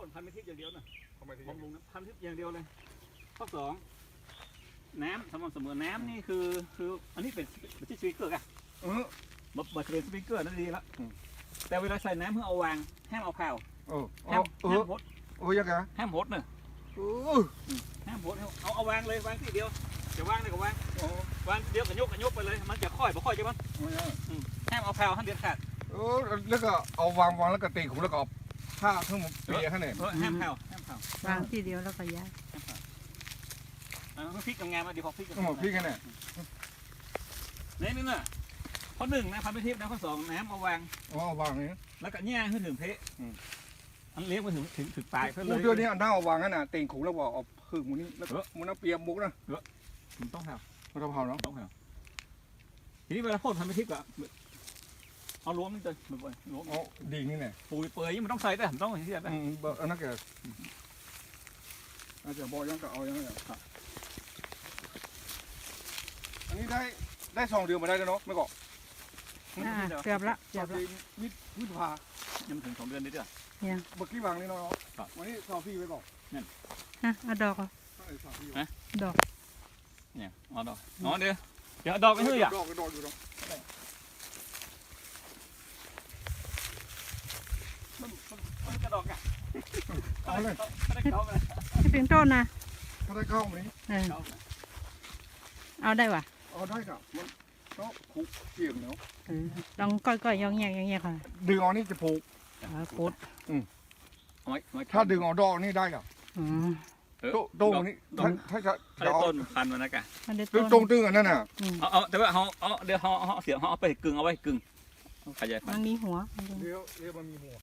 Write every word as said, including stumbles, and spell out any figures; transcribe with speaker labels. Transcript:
Speaker 1: นพันธุ์ไม่ทิพย์อย่างเดียวนะ
Speaker 2: ทำไมถึง
Speaker 1: บำรุงนะพันธุ์ทิพย์อย่างเดียวเลยข้อสองน้ำสม่ำเสมอน้ำนี่คือคืออันนี้เป็นเป็นที่สปริงเกอร์กัน
Speaker 2: เออ
Speaker 1: บับบัตรเป็นสปริงเกอร์นั่นดีแล้วแต่เวลาใส่น้ำเพื่อเอาวางห้ามเอาเผา
Speaker 2: เออ
Speaker 1: ห้าม
Speaker 2: เอ
Speaker 1: ห้า
Speaker 2: อ
Speaker 1: มหด
Speaker 2: โอ้ยยังไง
Speaker 1: ห้ามหดเนอะ
Speaker 2: เออ
Speaker 1: ห้ามหดเอาเอาวางเลยวางทีเดียวจะวางได้ก็วาง
Speaker 2: โอ้
Speaker 1: วางเดียวก็ยกก็ยกไปเลยมันจะค่อยบ่ค่อยใช่ไหม
Speaker 2: ไม่ได้
Speaker 1: ห้ามเอาเผาห้ามเด็ดขาด
Speaker 2: เออแล้วก็เอาวางวางแล้วก็ตีขุมแล้วก็เอาผ้าทั้งหมดเปียข้างใน
Speaker 1: เออห้ามเผาห้ามเผาว
Speaker 3: างทีเดียวแล้วก็ย้าย
Speaker 1: ห้ามเผาเอาพริกงามๆมาดีพอพริก
Speaker 2: ทั้งหมดพี่แค่ไหน
Speaker 1: นี่นี่น่ะข้อหนึ่งนะพันธุ์ทิพย์นะข้อสองน้ำเอาวาง
Speaker 2: อ๋อวางนี้
Speaker 1: แล้วก็แง่ขึ้นถึงเพะอันเลี้ยงมาถึงถึงถึงปลายเพื่อเล
Speaker 2: โอ้
Speaker 1: ย
Speaker 2: เดี๋ยวนี้อันน่าเอาวางนั่นน่ะตีขุมแล้วก็เอาพึ่งมันนี่แล้วก็มันเอาเปียมุกนะ
Speaker 1: มันต้องเผา
Speaker 2: มันจะเผาเนาะ
Speaker 1: ต้องเผาทีนี้เวลาพ่นพันธุ์ทิพย์อะเอาล้วมนี่เลยบ่อยๆล้วม
Speaker 2: อ๋อดีนี่แน่
Speaker 1: ปุ๋ยเปื่อยมันต้องใส่แต่มันต้องอย่างที่แบบ
Speaker 2: อืมอันนั้นแกอาจจะบอกยังก็เอายังไงอันนี้ได้ได้สองเดือนมาได้แล้วเนาะไม่ก่อ
Speaker 3: อ่าเกือบละเกือบละ
Speaker 2: มิดมิดพา
Speaker 1: ยังถึงสองเดือนนิดเดียว
Speaker 3: เนี่ย
Speaker 2: เมื่อกี้วางนี่เนาะวันนี้ซอฟี่ไว้ก่อน
Speaker 3: ฮะเอาดอกเหรอ
Speaker 2: ซอฟี่
Speaker 3: ดอก
Speaker 1: เนี่ยอ๋อดอกอ๋อเดี๋ยวเดี๋ยวดอกไม่เฮ้ยอ่ะ
Speaker 2: ดอกดอกอยู่ดอก
Speaker 1: มันมันมันกระดอกอ่ะ
Speaker 2: เอาเลย
Speaker 1: ไม่ได้เข้าไป
Speaker 3: ให้เป็นต้นนะ
Speaker 2: ถ้าได้เข้ามานี้
Speaker 3: เออ
Speaker 1: เข้าไป
Speaker 3: เอาได้ว่ะ
Speaker 2: เอาได้กับมันก็ผูกเกี่ยงเนาะ
Speaker 3: เออลองก้อยๆยองแยกยองแยกค่ะ
Speaker 2: ดึงออกนี่จะผูก
Speaker 3: เอาโคตร
Speaker 1: เอาไว้เอาไว้
Speaker 2: ถ้าดึงออกดอกนี่ได้กับ
Speaker 3: อืม
Speaker 1: เออ
Speaker 2: โตโต้งนี่ถ้าถ้าจะ
Speaker 1: ถ้าได้
Speaker 2: เอา
Speaker 1: ต้นพันธุ์มันนะกะ
Speaker 3: มันได้
Speaker 2: ตึ
Speaker 3: ต้
Speaker 2: ง
Speaker 3: น
Speaker 2: ตรงตึงอันนั้นน่ะ
Speaker 3: อืม
Speaker 1: เอาเอาแต่ว่าเขาเอาเดี๋ยวเขาเขาเสียเขาเอาไปกึ่งเอาไว้กึ่งขยายพัน
Speaker 3: มัน
Speaker 1: ธุ์
Speaker 3: มีหัว
Speaker 2: เดี๋ยวเดี๋ยวมันมีหัว